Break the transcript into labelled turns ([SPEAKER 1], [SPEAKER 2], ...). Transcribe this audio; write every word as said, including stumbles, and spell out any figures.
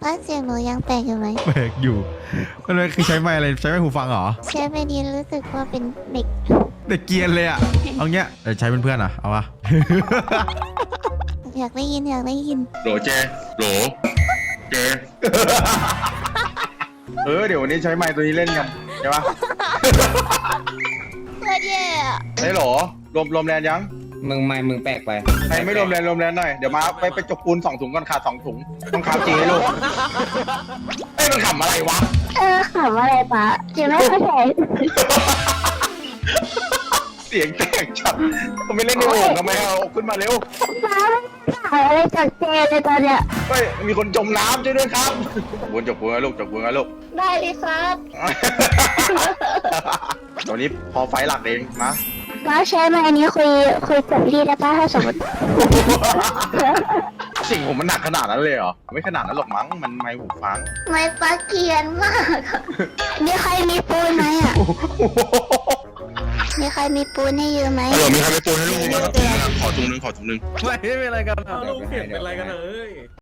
[SPEAKER 1] ป้าเสียงหนูยังแปลกอยู่ไหม
[SPEAKER 2] แปลกอยู่มันเลยคือใช้ไม้อะไรใช้ไม้หูฟังเหรอ
[SPEAKER 1] ใช้ไปดีรู้สึกว่าเป็นเด็ก
[SPEAKER 2] เด็กเกรียนเลยอะเอาเงี้ยเดี๋ยวใช้เป็นเพื่อนอ่ะเอาปะ
[SPEAKER 1] อยากได้ยินอยากได้ยิน
[SPEAKER 3] โหลเจโหลเจ เออเดี๋ยววันนี้ใช้ไม้ตัวนี้เล่นกันใช่ปะ
[SPEAKER 1] โคตรแย่อะ
[SPEAKER 3] ได้หรอรวมรวมแรงยัง
[SPEAKER 4] มึงไม่มึงแปลกไป
[SPEAKER 3] ใครไม่รวมแรงรวมแรงหน่อยเดี๋ยวมาไปไปจกปูนสองถุงก่อนขาดสองถุงต้องขาดจริงให้ลูกเอ้ยมันขำอะไรวะ
[SPEAKER 1] เออขำอะไรปะจะไม่เข้าใจ
[SPEAKER 3] เสียงแตกชัดก็ไม่เล่นในโอ่งทำไมเอาขึ้นมาเร็ว
[SPEAKER 1] ป้าไม่ขายอะไรจากเจเลยตอนเนี้ย
[SPEAKER 3] เฮ้ยมีคนจมน้ำช่วยด้วยครับวนจกปูนนะลูกจกปูนนะลูก
[SPEAKER 1] ได้เลยครับ
[SPEAKER 3] ตอนนี้พอไฟหลักเองนะ
[SPEAKER 1] ป้าใช้มาอันนี้คุยคุยกับพี่ได้ป้าถ้าสมมติ
[SPEAKER 3] สิ่งผมมันหนักขนาดนั้นเลยเหรอไม่ขนาดนั้นหรอกมั้งมันไม้หูฟัง
[SPEAKER 1] ไม่ป้าเกลียนมากอะมีใครมีปูนไหมอ่ะมีใครมีปูนให้ยืมไหม
[SPEAKER 3] ฮัลโหลมีใครไปปูนให้ลูกขอถุงนึงขอถุงนึง
[SPEAKER 2] ไม่ไม่เป็นไรกัน
[SPEAKER 5] เอาลูกเปลี่ยนเป็นอะไรกันเอ้ย